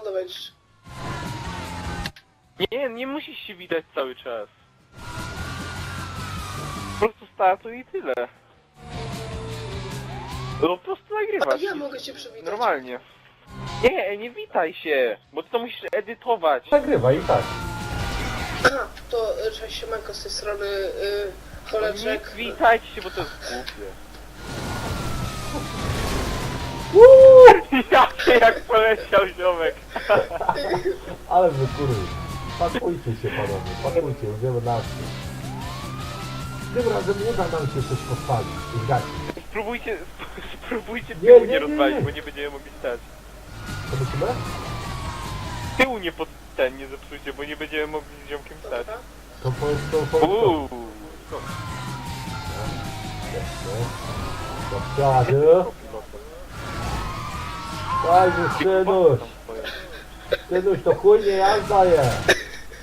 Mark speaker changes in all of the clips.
Speaker 1: będziesz.
Speaker 2: Nie musisz się widać cały czas. Po prostu startuj i tyle. No po prostu
Speaker 1: A
Speaker 2: nagrywasz.
Speaker 1: ja mogę cię przywitać.
Speaker 2: Normalnie. Nie witaj się, bo ty to musisz edytować.
Speaker 3: Nagrywa i tak.
Speaker 1: Aha, to cześć siemanko z tej strony
Speaker 2: Nie
Speaker 1: Choleczek.
Speaker 2: witajcie się, bo to jest głupie. Jak poleciał ziomek.
Speaker 3: Ale wy kurwy. Pakujcie się panowie, pakujcie, idziemy na akcję. Tym razem nie da nam się coś postawić. Zgadźcie.
Speaker 2: Spróbujcie
Speaker 3: Nie,
Speaker 2: tyłu
Speaker 3: nie,
Speaker 2: nie
Speaker 3: nie,
Speaker 2: rozwalić,
Speaker 3: nie.
Speaker 2: bo nie będziemy mogli stać.
Speaker 3: Co musimy?
Speaker 2: Tyłu nie zepsujcie, bo nie będziemy mogli z ziomkiem stać.
Speaker 1: Dobra.
Speaker 3: To po Do przodu. Daj mi synuś. Synuś to chuj nie jazda jest.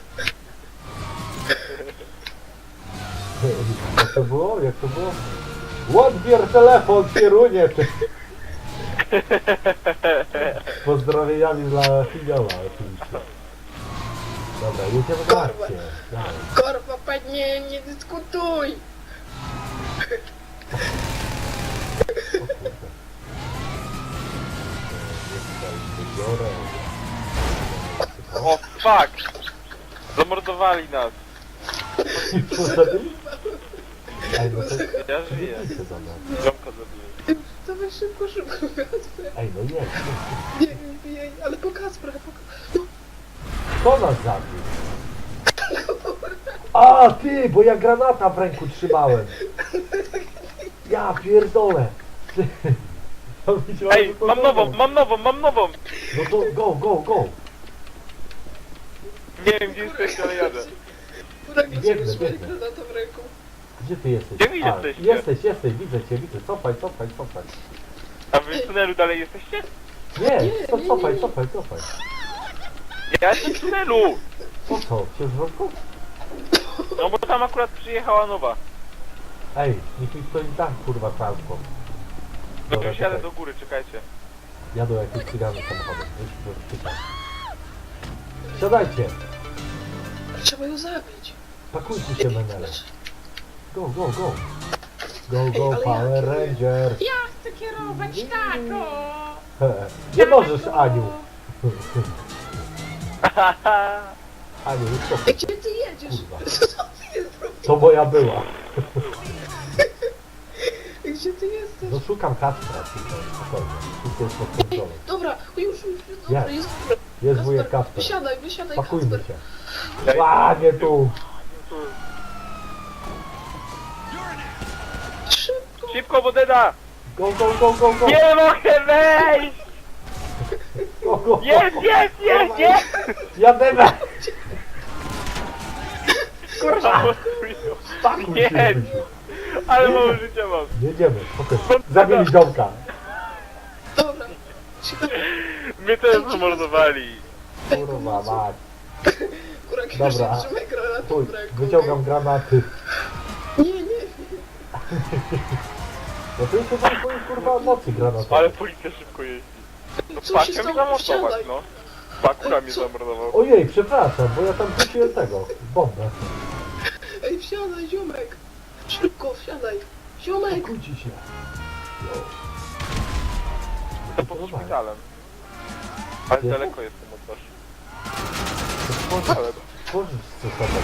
Speaker 3: Jak to było? Jak to było? Odbier telefon, kierunie. Z pozdrowieniami dla Finioła oczywiście. Dobra, jedziemy na akcję. Dawaj.
Speaker 1: Korwa, panie, nie dyskutuj!
Speaker 3: O kurde. Biorę.
Speaker 2: O fuck! Zamordowali nas.
Speaker 3: Ej, no to
Speaker 2: Ja żyję.
Speaker 3: widzicie za mną.
Speaker 2: Ziomka zabiję.
Speaker 1: Dawaj szybko, Kacper.
Speaker 3: Ej, no jedź.
Speaker 1: Nie, ale po Kacpra, no.
Speaker 3: Kto nas zabił? A, ty, bo ja granata w ręku trzymałem. Ja pierdolę. Ty. Ja widziałem,
Speaker 2: Ej,
Speaker 3: że to
Speaker 2: mam nową!
Speaker 3: No to go.
Speaker 2: Nie wiem gdzie jesteś, ale jadę.
Speaker 1: Kurek,
Speaker 3: Biegnę,
Speaker 1: nie sobie
Speaker 3: biegnę.
Speaker 1: granatą w ręku.
Speaker 3: Gdzie ty jesteś?
Speaker 2: Gdzie wy jesteście?
Speaker 3: Jesteś, widzę cię. Cofaj.
Speaker 2: A wy w tunelu dalej jesteście?
Speaker 3: Nie,
Speaker 1: Nie,
Speaker 3: cofaj.
Speaker 2: Ja jestem w tunelu!
Speaker 3: Po co? Się zwrotką?
Speaker 2: No bo tam akurat przyjechała nowa.
Speaker 3: Ej, niech mi ktoś da, kurwa, transport.
Speaker 2: No to
Speaker 3: Dobra,
Speaker 2: już jadę
Speaker 3: czekaj.
Speaker 2: do góry, czekajcie.
Speaker 3: Jadą jakieś cygany samochodem. Już czytam. Siadajcie.
Speaker 1: Trzeba ją zabić.
Speaker 3: Pakujcie się, menele. Go,
Speaker 1: ale
Speaker 3: Power
Speaker 1: jak?
Speaker 3: Ranger.
Speaker 4: Ja chcę kierować taką!
Speaker 3: Nie możesz, Aniu. Aniu, już to.
Speaker 1: Gdzie ty jedziesz?
Speaker 3: Kurwa.
Speaker 1: Co ty robisz?
Speaker 3: To moja była.
Speaker 1: Gdzie ty jesteś?
Speaker 3: No szukam Kacpra tutaj, spokojnie. Wszystko jest pod kontrolą.
Speaker 1: Dobra, już, dobra,
Speaker 3: Jak?
Speaker 1: jest dobra.
Speaker 3: Jest wujek Kacper.
Speaker 1: Wysiadaj,
Speaker 3: Pakujmy
Speaker 1: Kacper.
Speaker 3: się. Ładnie tu.
Speaker 1: Szybko.
Speaker 2: Szybko, Wodeda!
Speaker 3: Go.
Speaker 2: Nie mogę wejść!
Speaker 3: Go.
Speaker 2: Jest!
Speaker 3: Jademy.
Speaker 2: Kurwa!
Speaker 3: Pakuj
Speaker 2: Nie.
Speaker 3: się, Rysiu.
Speaker 2: Ale mało życia mam.
Speaker 3: Jedziemy, spokojnie. Zabili ziomka.
Speaker 1: Dobra. Siadaj.
Speaker 2: Mnie też zamordowali.
Speaker 3: Kurwa mać.
Speaker 1: Kurek,
Speaker 3: Dobra.
Speaker 1: już trzymaj granatą
Speaker 3: Chuj,
Speaker 1: w ręku.
Speaker 3: wyciągam granaty.
Speaker 1: Nie.
Speaker 3: No to jeszcze tam twoje kurwa mocy granatowe.
Speaker 2: Ale policja szybko jeździ. No
Speaker 1: Co się
Speaker 2: pakę mnie
Speaker 1: stało?
Speaker 2: zamordować,
Speaker 1: Wsiadaj.
Speaker 2: no. Pakura mnie
Speaker 1: Co?
Speaker 2: zamordował.
Speaker 3: Ojej, przepraszam, bo ja tam wróciłem tego. Bombę.
Speaker 1: Ej, wsiadaj, ziomek. Szybko, wsiadaj. Ziomek.
Speaker 3: Pakujcie się.
Speaker 2: To pod szpitalem. Ale
Speaker 3: Gdzie?
Speaker 2: daleko jestem od was. Ale...
Speaker 3: Tworzysz co sobie.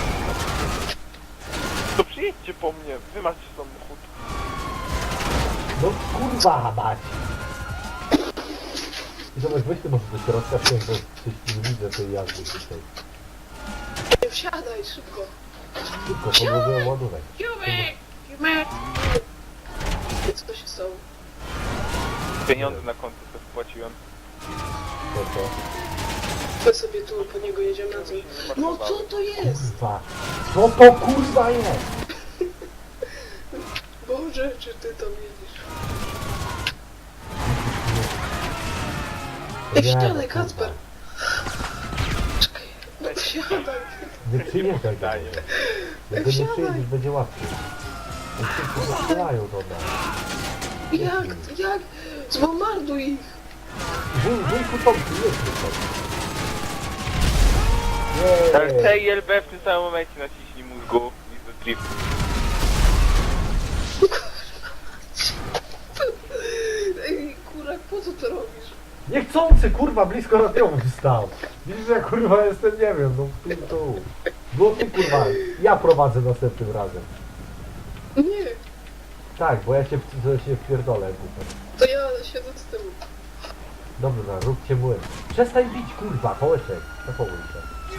Speaker 2: To przyjedźcie po mnie, wy macie samochód.
Speaker 3: No kurwa mać. I zobacz, weź ty może do środka wsiąść, bo coś nie widzę tej jazdy tutaj.
Speaker 1: Ej, wsiadaj, szybko.
Speaker 3: Szybko, podłożyłem ładunek.
Speaker 4: Jumek!
Speaker 1: Co się stało?
Speaker 2: Pieniądze na konto sobie wpłaciłem.
Speaker 3: To.
Speaker 1: My sobie tu po niego jedziemy na co? No co to jest?
Speaker 3: Kurwa. Co to kurwa jest?
Speaker 1: Boże, czy ty to widzisz? Ej,
Speaker 3: Nie,
Speaker 1: wsiadaj,
Speaker 3: no,
Speaker 1: Kacper.
Speaker 3: kurwa.
Speaker 1: Czekaj, no wsiadaj.
Speaker 3: Nie przyjeżdżaj do
Speaker 2: Daję.
Speaker 3: mnie. Jak nie
Speaker 1: Wsiadaj.
Speaker 3: przyjedziesz, będzie łatwiej. Oni wszyscy zastrzelają do nas.
Speaker 1: Jak? Zbombarduj ich.
Speaker 3: Wujku Tomku, jedźmy tam.
Speaker 2: Ale
Speaker 3: Jej.
Speaker 2: T i LB w tym samym momencie naciśnij mózgu i do drift.
Speaker 1: Ej, kurak, po co to robisz?
Speaker 3: Niechcący, kurwa, blisko radiomu stał. Widzisz, że ja, kurwa, jestem, nie wiem, no tu. Było ty, kurwa, ja prowadzę następnym razem.
Speaker 1: Nie,
Speaker 3: Tak, bo ja się wpierdolę, kurwa.
Speaker 1: to ja siedzę z tyłu.
Speaker 3: Dobra, róbcie młyn. Przestań bić, kurwa, połeczek. Zachowuj się.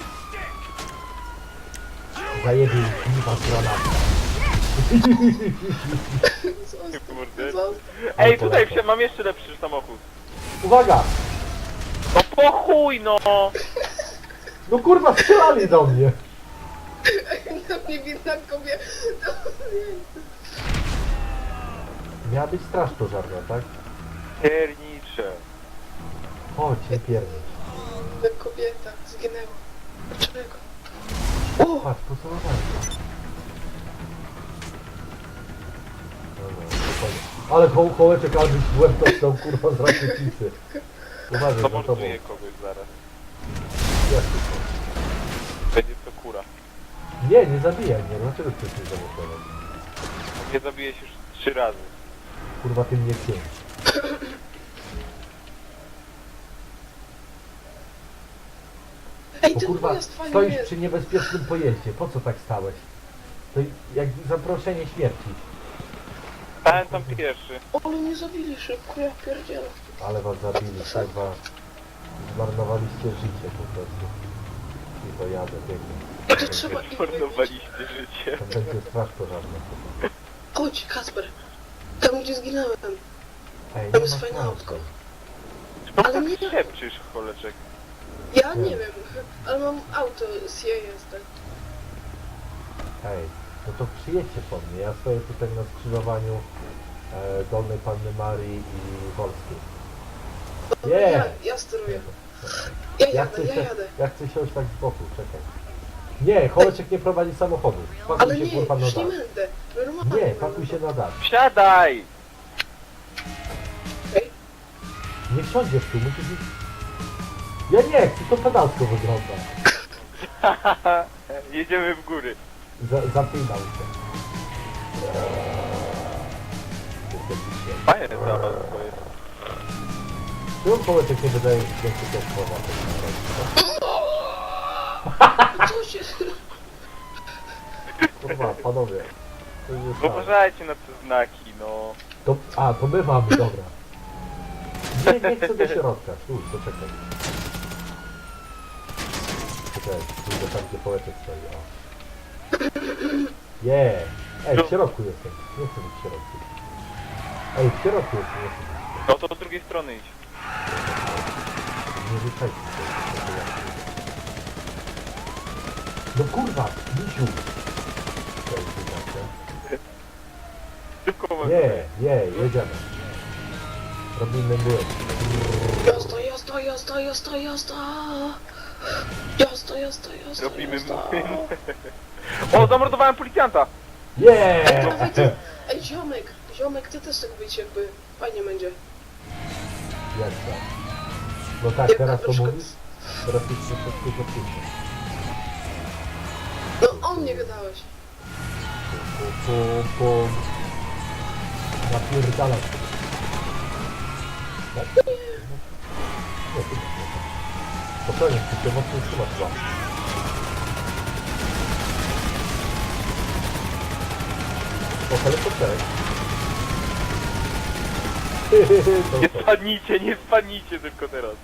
Speaker 3: Zajebie kliwa z granatu.
Speaker 2: Kurde.
Speaker 1: Zostaw.
Speaker 2: Ej, tutaj mam jeszcze lepszy samochód.
Speaker 3: Uwaga!
Speaker 2: No po chuj no!
Speaker 3: No kurwa, strzelali do mnie!
Speaker 1: Na mnie widna kobieta.
Speaker 3: Miała być straż pożarna, tak?
Speaker 2: Piernicze.
Speaker 3: Chodź, nie pierdź.
Speaker 1: Ta kobieta zginęła. Dlaczego?
Speaker 3: Patrz, pocelowali. Dobra, spokojnie. Ale kołeczek albo w łeb dostał, kurwa, z rakietnicy. Uważaj, za tobą.
Speaker 2: Zamorduję kogoś zaraz.
Speaker 3: Jak to?
Speaker 2: Będzie to kura.
Speaker 3: Nie, nie zabijaj mnie. Dlaczego chcesz mnie zamordować?
Speaker 2: Mnie zabijesz już 3 razy.
Speaker 3: Kurwa, ty mnie 5.
Speaker 1: Ej,
Speaker 3: Bo
Speaker 1: ten
Speaker 3: kurwa,
Speaker 1: pojazd fajny
Speaker 3: stoisz
Speaker 1: jest.
Speaker 3: przy niebezpiecznym pojeździe. Po co tak stałeś? To jak zaproszenie śmierci.
Speaker 2: Stałem tam pierwszy.
Speaker 1: Ale nie zabili szybko, ja pierdzielę.
Speaker 3: Ale was zabili, kurwa. Zmarnowaliście życie po prostu. I to jadę, pięknie.
Speaker 1: To trzeba ich wybić.
Speaker 2: Zmarnowaliście życie.
Speaker 3: To będzie straż pożarna.
Speaker 1: Chodź, Kasper. Tam, gdzie zginąłem.
Speaker 3: Ej,
Speaker 1: Tam
Speaker 3: nie
Speaker 1: jest
Speaker 3: ma
Speaker 1: fajne
Speaker 3: sensu.
Speaker 1: autko.
Speaker 2: No
Speaker 1: Ale
Speaker 2: tak
Speaker 1: nie.
Speaker 2: szepczysz, choleczek.
Speaker 1: Ja
Speaker 3: Nie.
Speaker 1: nie wiem, ale mam auto z jestem.
Speaker 3: Ej, no to przyjedźcie po mnie. Ja stoję tutaj na skrzyżowaniu Dolnej Panny Marii i Wolskiej.
Speaker 1: Dobra,
Speaker 3: Nie.
Speaker 1: ja steruję. Ja
Speaker 3: Ja
Speaker 1: jadę,
Speaker 3: chcę,
Speaker 1: ja
Speaker 3: się,
Speaker 1: jadę.
Speaker 3: ja chcę siąść tak z boku, czekaj. Nie, Choleczek nie prowadzi samochodu.
Speaker 1: Ale
Speaker 3: Pakuj się
Speaker 1: nie,
Speaker 3: kurwa na
Speaker 1: już nie
Speaker 3: dach.
Speaker 1: będę. Normalnie
Speaker 3: Nie,
Speaker 1: będę.
Speaker 3: pakuj się na dach.
Speaker 2: Wsiadaj!
Speaker 1: Ej,
Speaker 3: Nie wsiądziesz tu, musisz iść. Ja nie chcę, to pedalsko wygląda.
Speaker 2: Jedziemy w góry.
Speaker 3: Zapinał się. Jestem dzisiaj.
Speaker 2: Fajne zabawa twoje.
Speaker 3: Czemu Choleczek nie wydaje więcej też słowa?
Speaker 1: co się...
Speaker 3: Kurwa, panowie. To już jest tak.
Speaker 2: Uważajcie na te znaki, no.
Speaker 3: To my mamy, dobra. Nie chcę do środka. Tu, poczekaj. Czekaj, pójdę tam, gdzie Choleczek stoi. O. Ej, w środku jestem. Nie chcę być w środku. Ej, w środku jestem, nie chcę być.
Speaker 2: No to od drugiej strony idź.
Speaker 3: Nie rzucajcie się. No kurwa, misiu! To jest wydacie.
Speaker 2: Szybko
Speaker 3: Jedziemy. Robimy błąd.
Speaker 1: Jazda, jazda, jazda, jazda, jazda. Jazda, jazda, jazda,
Speaker 2: Robimy
Speaker 1: jazda.
Speaker 2: młyn. O, zamordowałem policjanta!
Speaker 1: Dawaj ty. Ej, ziomek, ty też tak być jakby fajnie będzie.
Speaker 3: Jak to? No tak,
Speaker 1: Jak
Speaker 3: teraz
Speaker 1: na
Speaker 3: to
Speaker 1: przykład-
Speaker 3: mówisz? Teraz jest troszeczkę za późno.
Speaker 1: No, o mnie gadałeś.
Speaker 3: Pum. Napierdalać. Tak? Nie, ty nie. Spokojnie, ty się mocno trzymasz chyba. O, helikopterek.
Speaker 2: Nie spadnijcie, nie spadnijcie tylko teraz.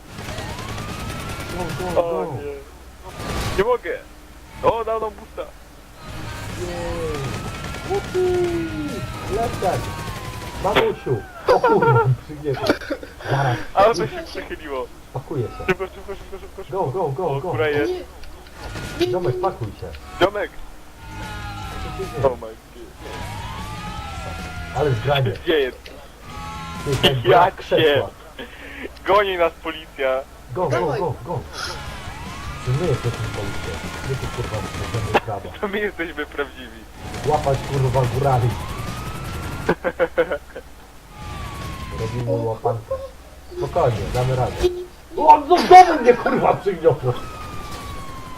Speaker 3: Go,
Speaker 2: O
Speaker 3: go.
Speaker 2: nie. Nie mogę. O, dał nam busta.
Speaker 3: Jej. Łupi! Lepszak! Mamusiu! O kurwa, przygniecie. Zaraz,
Speaker 2: Ale to się przechyliło.
Speaker 3: pakuję się.
Speaker 2: Szybko, szybko.
Speaker 3: Go.
Speaker 2: O, kura
Speaker 1: O
Speaker 2: jest.
Speaker 1: nie. Nie,
Speaker 3: Ziomek,
Speaker 1: nie.
Speaker 3: pakuj się.
Speaker 2: Ziomek.
Speaker 3: Co się
Speaker 2: Oh
Speaker 3: dzieje?
Speaker 2: my god.
Speaker 3: Ale zgranie.
Speaker 2: Gdzie jest?
Speaker 3: Ty, jak
Speaker 2: Ja
Speaker 3: brak
Speaker 2: cię.
Speaker 3: krzesła.
Speaker 2: Goni nas policja.
Speaker 3: Go.
Speaker 1: Dawaj.
Speaker 3: To my jesteśmy policją. My tu kurwa możemy prawo.
Speaker 2: To my jesteśmy prawdziwi.
Speaker 3: Łapać kurwa górali. Robimy łapankę. Spokojnie, damy radę. O, no w domu mnie kurwa przygniotło.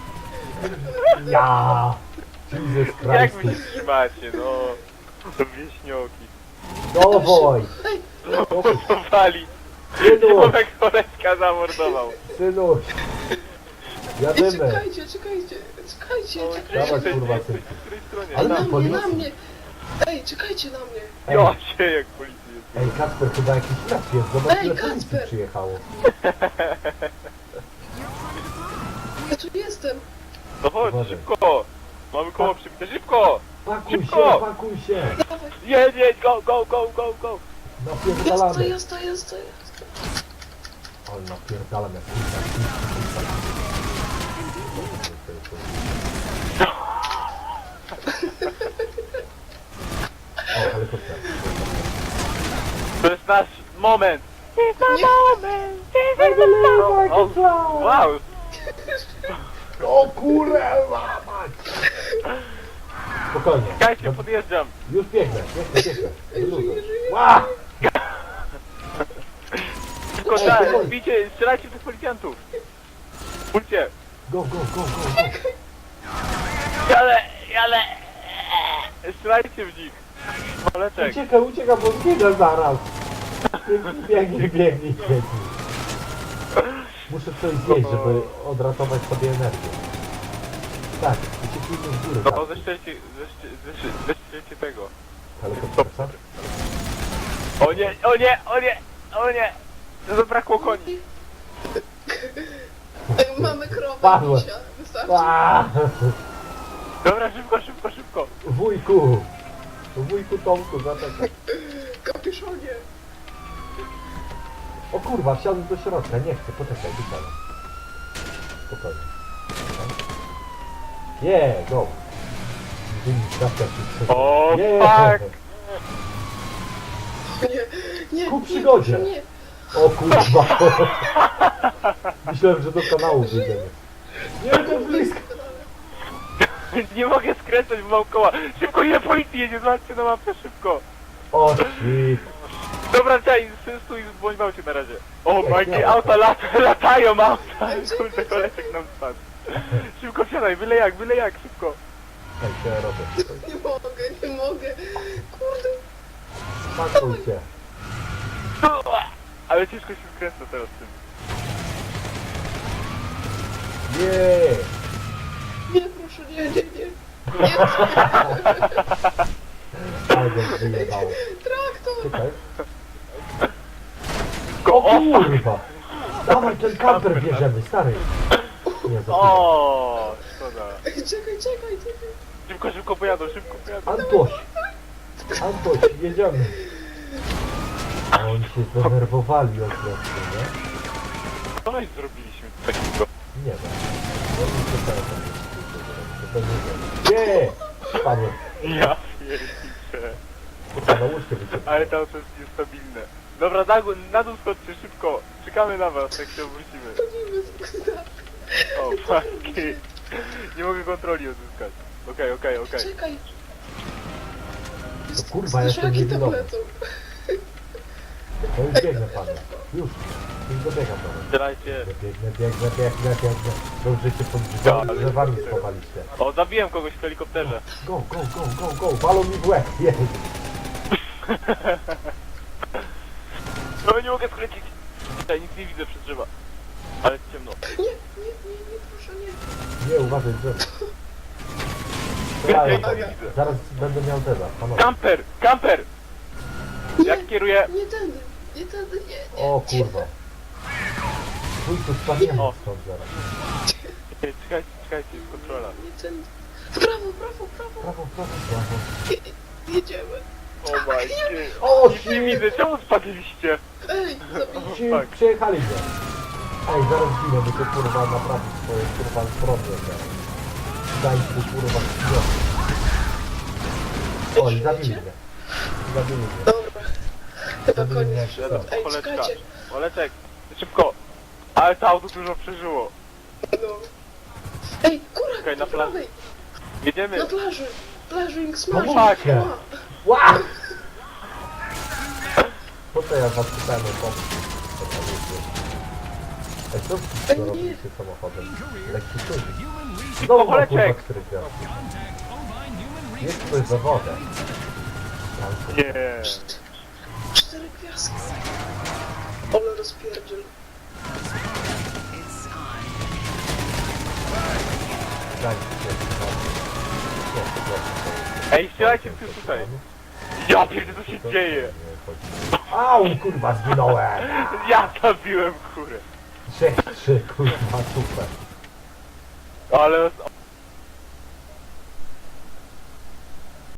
Speaker 3: Ja! Jesus
Speaker 2: Jak wy
Speaker 3: Christ!
Speaker 2: się trzymacie, no? To wieśnioki.
Speaker 3: Dawaj!
Speaker 2: Mordowali.
Speaker 3: Synu!
Speaker 2: Ziomek koleżka zamordował.
Speaker 3: Synuś!
Speaker 1: Ej,
Speaker 3: Jadymy!
Speaker 1: czekajcie.
Speaker 3: Dawaj, kurwa,
Speaker 2: jesteś
Speaker 3: synu.
Speaker 2: po której stronie?
Speaker 3: Ale
Speaker 1: Na
Speaker 3: tam
Speaker 1: mnie,
Speaker 3: policja.
Speaker 1: na mnie. Ej, czekajcie na mnie.
Speaker 3: Ej,
Speaker 2: Ja się jak policja jest.
Speaker 3: ej, Kacper, chyba jakiś ślad jest. Zobacz,
Speaker 1: Ej,
Speaker 3: ile policji
Speaker 1: Kacper!
Speaker 3: przyjechało.
Speaker 1: Ja tu jestem.
Speaker 2: No chodź,
Speaker 3: Uważaj.
Speaker 2: szybko! Mamy koło przybite, szybko!
Speaker 3: Pakuj się,
Speaker 2: Szybko!
Speaker 3: pakuj się!
Speaker 1: Dawaj.
Speaker 2: Jedź, go!
Speaker 3: Napierdalamy!
Speaker 1: Jazda.
Speaker 3: Ale napierdalam jak kurwa. O, helikopter.
Speaker 2: To jest nasz moment! O, wow!
Speaker 3: O kurwa mać! Spokojnie.
Speaker 2: Czekajcie, podjeżdżam!
Speaker 3: Już biegnę. Wyluzuj. Ła!
Speaker 2: Szybko,
Speaker 3: Ej,
Speaker 2: tak,
Speaker 3: powoli.
Speaker 2: bijcie, strzelajcie w tych policjantów! Pójdźcie!
Speaker 3: Go!
Speaker 2: Ale... Strzelajcie w nich! Oleczek!
Speaker 3: Uciekaj, bo zginę zaraz! Biegnij. Muszę coś zjeść, żeby odratować sobie energię. Tak, ucieknijmy w górę.
Speaker 2: No,
Speaker 3: tak.
Speaker 2: zestrzelcie tego!
Speaker 3: Helikopter.
Speaker 2: O nie! Zabrakło koni!
Speaker 1: Ej, mamy krowę,
Speaker 3: Padłem.
Speaker 1: misia. Wystarczy.
Speaker 2: Dobra, szybko!
Speaker 3: Wujku Tomku, zaczekaj.
Speaker 1: Kapiszonie.
Speaker 3: O kurwa, wsiadłem do środka, nie chcę, poczekaj, wysiadam. Spokojnie. Go!
Speaker 2: O,
Speaker 3: Yeah.
Speaker 2: fuck!
Speaker 1: Nie,
Speaker 3: Ku przygodzie.
Speaker 1: proszę, nie.
Speaker 3: O kurwa! Myślałem, że do kanału wyjdziemy. Nie, to blisko!
Speaker 2: Nie mogę skręcać, bo mam koła! Szybko, ile policji jedzie, zobaczcie na mapę, szybko!
Speaker 3: O shit!
Speaker 2: Dobra, czaj, stój, bądź małcie na razie. O,
Speaker 3: Ej,
Speaker 2: Majki,
Speaker 3: ja-
Speaker 2: auta latają, auta!
Speaker 1: Ej, czekaj,
Speaker 2: Kurde, koleżek nam spadł. Szybko wsiadaj, byle jak, szybko.
Speaker 3: Ej, co ja robię?
Speaker 1: Nie mogę. Kurde.
Speaker 3: Pakuj się.
Speaker 2: Ale ciężko się skręca teraz z tym.
Speaker 3: Nie!
Speaker 1: Nie, proszę, nie.
Speaker 3: Ale go wyjebało.
Speaker 1: Traktor.
Speaker 3: Czekaj.
Speaker 2: Go,
Speaker 3: O kurwa! Dawaj ten kamper bierzemy, stary! Nie, za chwilę.
Speaker 2: O, szkoda.
Speaker 1: Ej, czekaj.
Speaker 2: Szybko pojadą.
Speaker 3: Antoś, jedziemy. A oni się zdenerwowali od prostu, nie?
Speaker 2: Co my zrobiliśmy takiego?
Speaker 3: Nie wiem. Oni się teraz nie! Padłem.
Speaker 2: Ja pierniczę.
Speaker 3: Na łóżkę wyciekłem.
Speaker 2: Ale to jest niestabilne. Dobra, na dół schodźcie, szybko. Czekamy na was, jak się obrócimy.
Speaker 1: Chodzimy.
Speaker 2: O, fuck. Nie mogę kontroli odzyskać. Okej.
Speaker 1: Czekaj.
Speaker 3: To kurwa, jestem
Speaker 1: Szlaki tam
Speaker 3: niewidomy.
Speaker 1: lecą.
Speaker 3: To już biegnę, panie. Już dobiegam do was.
Speaker 2: Strzelajcie.
Speaker 3: Biegnę. Dobrze się pod drzewami schowaliście.
Speaker 2: O, zabiłem kogoś w helikopterze.
Speaker 3: Go! Walą mi w łeb, jej!
Speaker 2: No nie mogę skręcić. Ja nic nie widzę przez drzewa. Ale ciemno.
Speaker 1: Nie, proszę, nie.
Speaker 3: Nie, uważaj, drzewo.
Speaker 2: Ja
Speaker 3: Strzelają
Speaker 2: nic
Speaker 3: tam.
Speaker 2: nie widzę.
Speaker 3: Zaraz będę miał deda, panowie.
Speaker 2: Kamper! Jak kieruję...
Speaker 1: Nie tędy, nie.
Speaker 3: O kurwa. Chuj tu spadniemy
Speaker 2: O.
Speaker 3: stąd zaraz.
Speaker 2: Czekajcie, jest kontrola.
Speaker 1: Nie tędy. W prawo.
Speaker 3: Prawo.
Speaker 1: Jedziemy.
Speaker 2: O my god.
Speaker 3: O
Speaker 2: Nic nie
Speaker 3: shit!
Speaker 2: widzę, czemu spadliście?
Speaker 1: Ej, zabij.
Speaker 3: Ci
Speaker 2: Tak.
Speaker 3: Przyjechali mnie. Ej, zaraz ginę, bo to kurwa naprawić swoje kurwa problem zaraz. Daj tu kurwa chwilę. Oj, zabili mnie.
Speaker 1: Dobra. Chyba
Speaker 3: Zabili mnie.
Speaker 1: koniec. Ej,
Speaker 2: Oleczka.
Speaker 1: czekajcie.
Speaker 2: Oleczek, szybko. Ale to auto dużo przeżyło.
Speaker 1: No. Ej, kurwa,
Speaker 2: Czekaj, na
Speaker 1: po
Speaker 2: plaży.
Speaker 1: prawej.
Speaker 2: Jedziemy.
Speaker 1: Na plaży. Plażing smash.
Speaker 3: Pomóżcie.
Speaker 1: Ła.
Speaker 3: Ła! Po co ja was pytałem o pomoc? Ej, co
Speaker 1: Ej,
Speaker 3: co
Speaker 1: nie.
Speaker 3: robiliście samochodem? Lekki czujnik. Znowu ma kurwa
Speaker 2: Oleczek.
Speaker 3: 4 gwiazdki. Jest ktoś za wodę. Tam
Speaker 2: Nie.
Speaker 1: 4 gwiazdki. Ale rozpierdziel.
Speaker 3: Dajcie się.
Speaker 2: Ej, strzelajcie tu tutaj. Ja pierdolę, co się dzieje?
Speaker 3: Au, kurwa, zginąłem!
Speaker 2: Ja zabiłem kurę.
Speaker 3: 3, kurwa, super.
Speaker 2: Ale